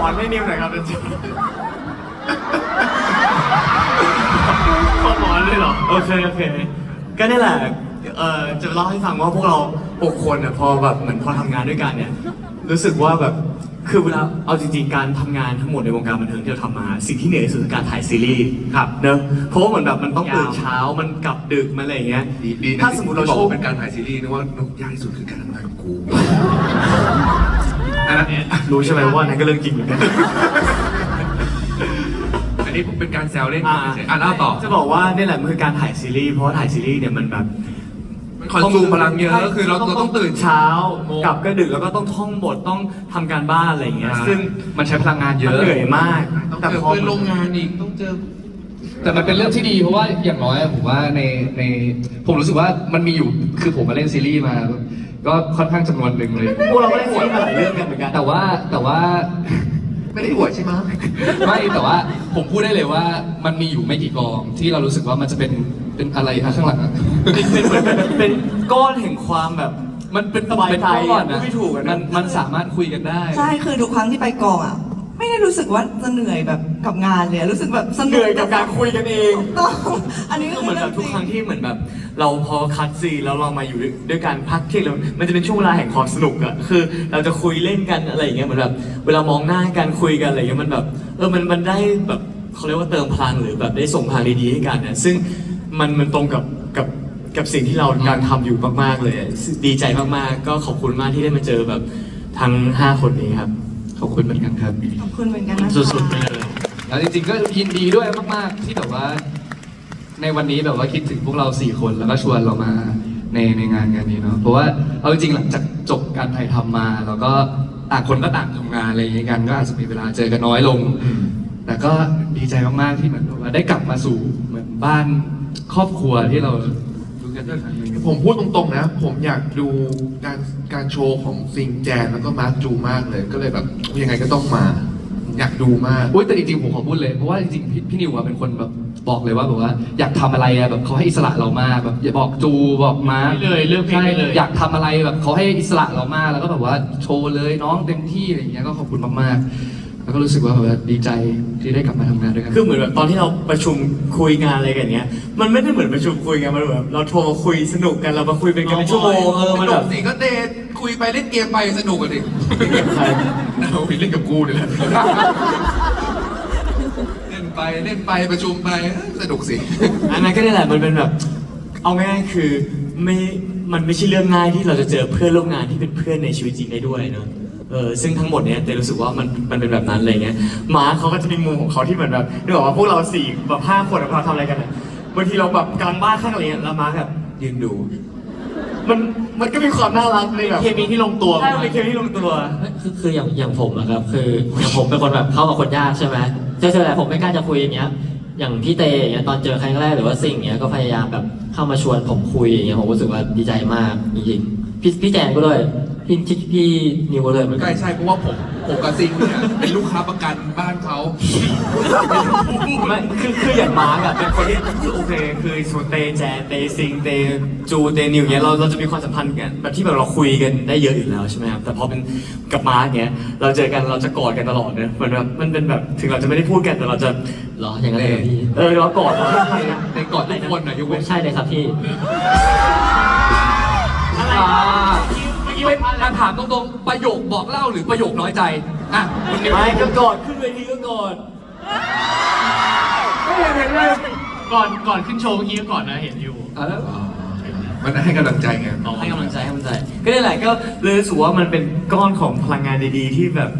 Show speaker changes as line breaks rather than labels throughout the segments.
อนให้นิวหน่อยครับจริงขอหมอนเลยเหรอโอเคก็นี่แหละจะเล่าให้ฟังว่าพวกเรา6 คนพอแบบเหมือนพอทำงานด้วยกันเนี่ยรู้สึกว่าแบบคือเวลาเอาจริงๆการทำงานทั้งหมดในวงการบันเทิงที่เราทำมาสิ่งที่เหนื่อยที่สุดคือการถ่ายซีรีส์ครับเนอะเพราะว่าเหมือนแบบมันต้องตื่นเช้ามันกลับดึกมันอะไรอย่างเงี้ย
ดีนะถ้าสมมติเราบอกเป็นการถ่ายซีรีส์นึกว่ายากที่สุดคือการทำงานกับกูอันนั้น
รู้ใช่ไหมว่านั่นก็เรื่องจริงเหมือนกัน
อันนี้เป็นการแซวเล่นเล่าต่อ
จะบอกว่านี่แหละมันคือการถ่ายซีรีส์เพราะถ่ายซีรีส์เนี่ยมันแบบ
คอนซูมพลังเยอะก็คือเราต้องตื่น
เช้ากลับก็ดึกแล้วก็ต้องท่องบทต้องทำการบ้านอะไรอย่างเงี้ยซึ่ง
มันใช้พลังงานเยอะ
เหนื่อยมาก
แต่พอเป็นโรงงานอีกต้องเจอ
แต่มันเป็นเรื่องที่ดีเพราะว่าอย่างน้อยผมว่าในผมรู้สึกว่ามันมีอยู่คือผมมาเล่นซีรีส์มาก็ค่อนข้างจำนวนหนึ่งเลย
พวกเราก็ได้ซีรีส์มาหลายเรื่องกันเหมือนกัน
แต่ว่า
ไม่ได้อวดใช่ไหม
ไม่แต่ว่าผมพูดได้เลยว่ามันมีอยู่ไม่กี่กองที่เรารู้สึกว่ามันจะเป็นอะไรข้างหลัง
เป็นก้อนแห่งความแบบ
มันเป็น
สบายใจ
ไม่ถูกมันสามารถคุยกันได้
ใช่คือทุกครั้งที่ไปกองไม่ได้รู้สึกว่าจะเหนื่อยแบบกับงานเลยรู้สึกแบบสนุก
เหนื่อยกับการคุยกันเอง
ต้องอันนี้ก็
เหมือนแบบทุกครั้งที่เหมือนแบบเราพอคัดซีแล้วเรามาอยู่ด้วยกันพักเที่ยงแล้วมันจะเป็นช่วงเวลาแห่งความสนุกคือเราจะคุยเล่นกันอะไรอย่างเงี้ยเหมือนแบบเวลามองหน้ากันคุยกันอะไรอย่างเงี้ยมันแบบมันได้แบบเขาเรียกว่าเติมพลังหรือแบบได้ส่งพลังดีๆให้กันนะซึ่งมันตรงกับสิ่งที่เราการทำอยู่มากๆเลยดีใจมากๆก็ขอบคุณมากที่ได้มาเจอแบบทั้ง5 คนนี้ครับขอบคุณเหมือนกันครับ
ขอบคุณเหมือนกันนะ
สุดๆไปเลย
แล้วจริงๆก็ยินดีด้วยมากๆที่แบบว่าในวันนี้แบบว่าคิดถึงพวกเรา4 คนแล้วก็ชวนเรามาในงานนี้เนาะเพราะว่าเอาจริงๆหลังจากจบการถ่ายทำมาแล้วก็ต่างคนก็ต่างทำงานอะไรอย่างเงี้ยกันก็อาจจะมีเวลาเจอกันน้อยลงแต่ก็ดีใจมากๆที่เหมือนว่าได้กลับมาสู่เหมือนบ้านครอบครัวที่เราดูกันด้วยกัน
ผมพูดตรงๆนะผมอยากดูการโชว์ของซิงแจนแล้วก็มาร์คจูมากเลยก็เลยแบบยังไงก็ต้องมาอยากดูมาก
แต่จริงๆผมขอพูดเลยเพราะว่าจริงๆพี่นิวเป็นคนแบบบอกเลยว่าแบบว่าอยากทำอะไรแบบเขาให้อิสระเรามากแบบอย่าบอกจูบอกมา
เลยเรื่องเพลงเลย
อยากทำอะไรแบบเขาให้อิสระเรามากแล้วก็แบบว่าโชว์เลยน้องเต็มที่อะไรอย่างเงี้ยก็ขอบคุณมากๆแล้วก็รู้สึกว่าแบบดีใจที่ได้กลับมาทำงานด้วยกัน
คือเหมือนแบบตอนที่เราประชุมคุยงานอะไรกันเงี้ยมันไม่ได้เหมือนประชุมคุยกันมันแบบเราโทรมาคุยสนุกกันเรามาคุยเป็นกันชั่วโมง
มันแบบสิก็เดทคุยไปเล่นเกมไปสนุกกันดิ
ใคร
เราเล่นกับกูนี่แหละเล่นไปประชุมไปสนุกสิ
อันนั้นก็นี่แหละมันเป็นแบบเอาง่ายๆคือมันไม่ใช่เรื่องง่ายที่เราจะเจอเพื่อนร่วมงานที่เป็นเพื่อนในชีวิตจริงได้ด้วยเนอะซึ่งทั้งหมดเนี้ยแต่รู้สึกว่ามันเป็นแบบนั้นอะไรเงี้ยมาร์คเขาก็จะมีมุมของเขาที่เหมือนแบบนึกออกว่าพวกเรา4แบบ5 คนเราทำอะไรกันบางทีเราแบบกลางบ้านข้างอะไรเงี้ยแล้วมาร์คแบบยืนดูมันก็มีความน่ารักเลยแบบ
เคมีที่ลงตัว
ใช่เป็นเคมีที่ลงตัว
คืออย่างผมนะครับคืออย่างผมเป็นคนแบบเข้ากับคนยากใช่ไหมเจอแต่ผมไม่กล้าจะคุยอย่างเงี้ยอย่างพี่เตอย่างเงี้ยตอนเจอครั้งแรกหรือว่าสิ่งเงี้ยก็พยายามแบบเข้ามาชวนผมคุยอย่างเงี้ยผมรู้สึกว่าดีใจมากจริงๆพี่แจนก็ด้วยพี่นิวก็เลยเหมือนกัน
ใช่เพราะว่าผมกับซิงเนี่ยเป็นลูกค้าประกันบ้านเขา
ไม่คืออย่างมาร์กเป็นคนที่โอเคคือส่วนเตแจนเตซิงเตจูเตนิวเนี้ยเราจะมีความสัมพันธ์กันแบบที่แบบเราคุยกันได้เยอะอยู่แล้วใช่ไหมครับแต่พอเป็นกับมาร์กเนี้ยเราเจอกันเราจะกอดกันตลอดเนอะเหมือนแบบมันเป็นแบบถึงเราจะไม่ได้พูดกันแต่เราจะ
หรออย่างนั้นเลยพี่
เรากอด
ในกอดทุกคนนะยกเว้น
ใช่เลยครับพี่
เป็นการถามตรงๆประโยคบอกเล่าหรือประโยคน้อยใจ
ไม่ก็กอดขึ้นเวทีก็กอด
ไม่เห็นเลยก่อนขึ้นโชว์เมื่อกี้ก็ก่อนนะเห็นอยู่
มันให้กำลังใจไง
ให้กำลังใจก็นี่แหละก็เลยรู้สึกว่ามันเป็นก้อนของพลังงานดีๆที่แบบ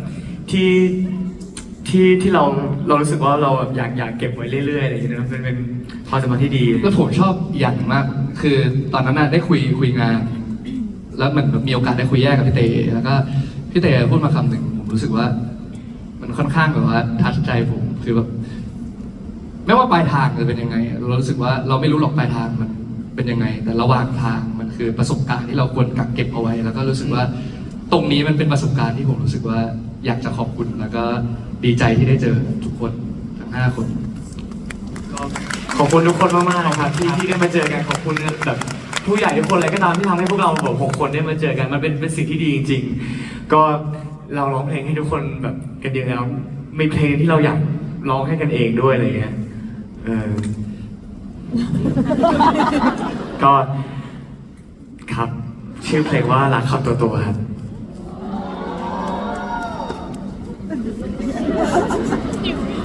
ที่เรารู้สึกว่าเราแบบอยากเก็บไว้เรื่อยๆอะไรอย่างเงี้ยเป็นความสัมพันธ์ที่ดี
แล้วผมชอบอย่างมากคือตอนนั้นได้คุยงานแล้วมันมีโอกาสได้คุยแยกกับพี่เตแล้วก็พี่เตพูดมาคำหนึ่งผมรู้สึกว่ามันค่อนข้างแบบว่าทัชใจผมคือแบบไม่ว่าปลายทางจะเป็นยังไงเรารู้สึกว่าเราไม่รู้หรอกปลายทางมันเป็นยังไงแต่ระหว่างทางมันคือประสบการณ์ที่เราควรกักเก็บเอาไว้แล้วก็รู้สึกว่าตรงนี้มันเป็นประสบการณ์ที่ผมรู้สึกว่าอยากจะขอบคุณแล้วก็ดีใจที่ได้เจอทุกคนทั้ง5 คน
ก็ขอบคุณทุกคนมากๆนะครับที่ได้มาเจอกันขอบคุณแบบผู้ใหญ่ทุกคนอะไรก็ตามที่ทำให้พวกเราแบบ6 คนได้มาเจอกันมันเป็นสิ่งที่ดีจริงๆก็เราร้องเพลงให้ทุกคนแบบเก็บกันเยอะแล้วมีเพลงที่เราอยากร้องให้กันเองด้วยอะไรเงี้ยก็ครับชื่อเพลงว่ารักคำตัวครับ
อยู่